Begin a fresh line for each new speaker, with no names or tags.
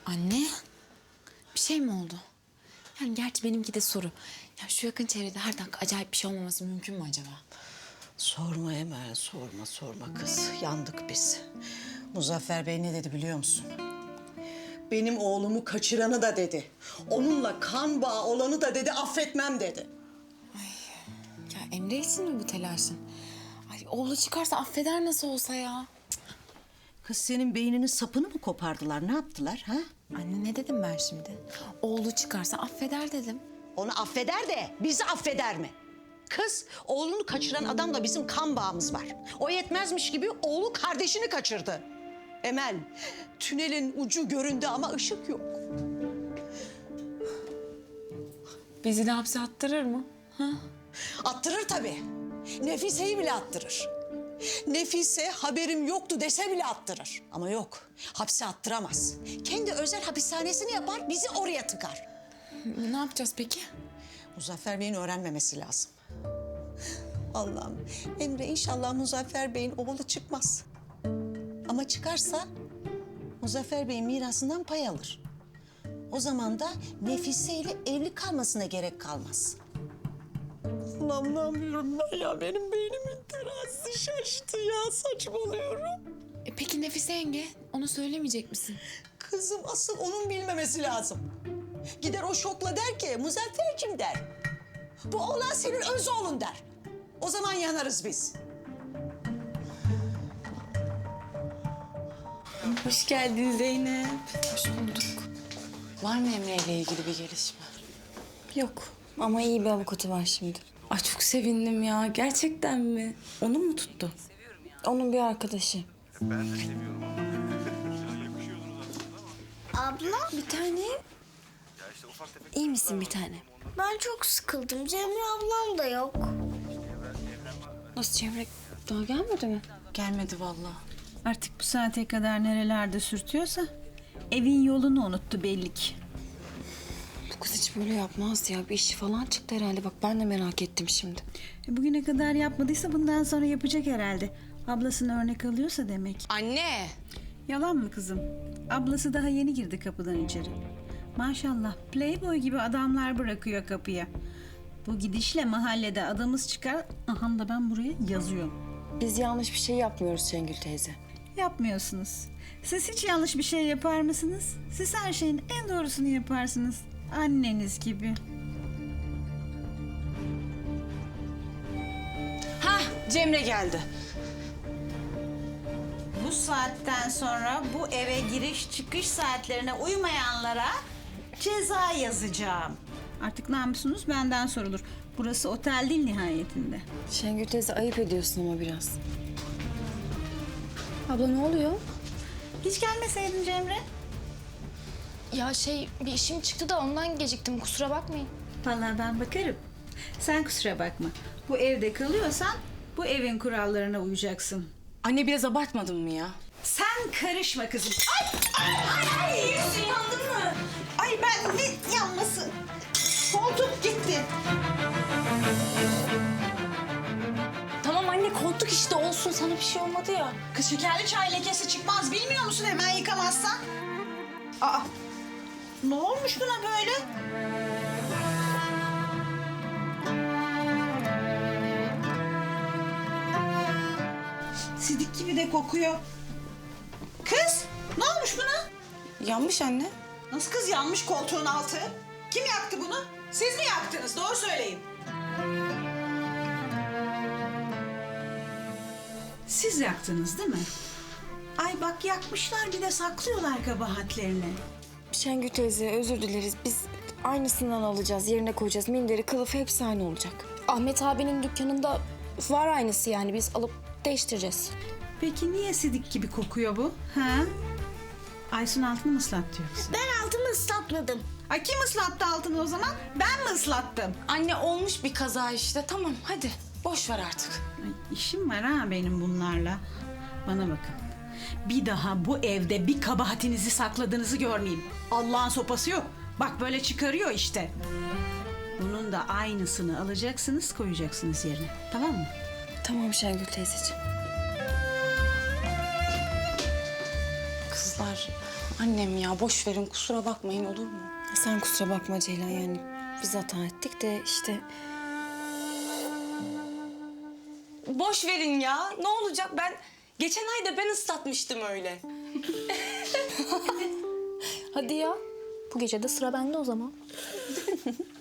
Anne, bir şey mi oldu? Yani gerçi benimki de soru. Ya şu yakın çevrede her dakika acayip bir şey olmaması mümkün mü acaba?
Sorma Emel, sorma kız. Yandık biz. Muzaffer Bey ne dedi biliyor musun? Benim oğlumu kaçıranı da dedi. Onunla kan bağı olanı da dedi, affetmem dedi.
Ya Emre için mi bu telaşın? Ay oğlu çıkarsa affeder nasıl olsa ya.
Kız senin beyninin sapını mı kopardılar, ne yaptılar ha?
Anne ne dedim ben şimdi? Oğlu çıkarsa affeder dedim.
Onu affeder de bizi affeder mi? Kız, oğlunu kaçıran adamla bizim kan bağımız var. O yetmezmiş gibi oğlu kardeşini kaçırdı. Emel, tünelin ucu göründü ama ışık yok.
Bizi de hapse attırır mı? Ha?
Attırır tabii. Nefise'yi bile attırır. Nefise haberim yoktu dese bile attırır. Ama yok, hapse attıramaz. Kendi özel hapishanesini yapar, bizi oraya tıkar.
Ne yapacağız peki?
Muzaffer Bey'in öğrenmemesi lazım. Allah'ım, Emre inşallah Muzaffer Bey'in oğlu çıkmaz. Ama çıkarsa Muzaffer Bey'in mirasından pay alır. O zaman da Nefise ile evli kalmasına gerek kalmaz. Anlamıyorum ben ya. Benim beynimin terazisi şaştı ya. Saçmalıyorum.
Peki Nefise yenge, onu söylemeyecek misin?
Kızım asıl onun bilmemesi lazım. Gider o şokla der ki Muzaffer'cim der. Bu oğlan senin öz oğlun der. O zaman yanarız biz.
Hoş geldin Zeynep. Hoş bulduk. Var mı Emre ile ilgili bir gelişme?
Yok ama iyi bir avukatı var şimdi.
Ay çok sevindim ya. Gerçekten mi? Onu mu tuttu?
Onun bir arkadaşı.
Abla,
Bir tane. İyi misin bir tane?
ben çok sıkıldım. Cemre ablam da yok.
Nasıl Cemre daha gelmedi mi?
Gelmedi vallahi.
Artık bu saate kadar nerelerde sürtüyorsa evin yolunu unuttu belli ki.
Bu kız hiç böyle yapmaz ya. Bir işi falan çıktı herhalde. Bak ben de merak ettim şimdi.
Bugüne kadar yapmadıysa bundan sonra yapacak herhalde. Ablasını örnek alıyorsa demek.
Anne!
Yalan mı kızım? Ablası daha yeni girdi kapıdan içeri. Maşallah playboy gibi adamlar bırakıyor kapıya. Bu gidişle mahallede adamız çıkar. Aha da ben buraya yazıyorum.
Biz yanlış bir şey yapmıyoruz Şengül teyze.
Yapmıyorsunuz. Siz hiç yanlış bir şey yapar mısınız? Siz her şeyin en doğrusunu yaparsınız. Anneniz gibi.
Cemre geldi.
Bu saatten sonra bu eve giriş çıkış saatlerine uymayanlara ceza yazacağım. Artık namusunuz benden sorulur. Burası otel değil nihayetinde.
Şengül teyze ayıp ediyorsun ama biraz. Abla ne oluyor?
Hiç gelmeseydin Cemre.
Ya bir işim çıktı da ondan geciktim, kusura bakmayın.
Vallahi ben bakarım. Sen kusura bakma. Bu evde kalıyorsan bu evin kurallarına uyacaksın.
Anne biraz abartmadın mı ya?
Sen karışma kızım. Ay yüzün yandın mı? Ay ben ne yanması? Koltuk gitti.
Tamam anne, koltuk işte olsun, sana bir şey olmadı ya.
Kız şekerli çay lekesi çıkmaz bilmiyor musun hemen yıkamazsan? Aa, ne olmuş buna böyle? Sidik gibi de kokuyor. Kız, ne olmuş buna?
Yanmış anne.
Nasıl kız yanmış koltuğun altı? Kim yaktı bunu? Siz mi yaktınız? Doğru söyleyin. Siz yaktınız değil mi? Ay bak yakmışlar bir de saklıyorlar kabahatlerini.
Şengül teyze özür dileriz. Biz aynısından alacağız. Yerine koyacağız. Minderi, kılıfı hepsi aynı olacak.
Ahmet abinin dükkanında var aynısı, yani biz alıp değiştireceğiz.
Peki niye sidik gibi kokuyor bu? Ha? Aysun altını mı ıslattı yoksa?
Ben altımı ıslatmadım.
Ay kim ıslattı altını o zaman? Ben mi ıslattım?
Anne olmuş bir kaza işte. Tamam hadi. Boş ver artık.
Ay, işim var ha benim bunlarla. Bana bakın. Bir daha bu evde bir kabahatinizi sakladığınızı görmeyeyim. Allah'ın sopası yok. Bak böyle çıkarıyor işte. Bunun da aynısını alacaksınız, koyacaksınız yerine. Tamam mı?
Tamam Şengül teyzeciğim.
Kızlar
Annem ya boş verin kusura bakmayın olur mu?
Sen kusura bakma Ceylan, yani biz hata ettik de işte...
Boş verin ya ne olacak ben geçen ay da ben ıslatmıştım öyle.
Hadi ya. Bu gece de sıra bende o zaman.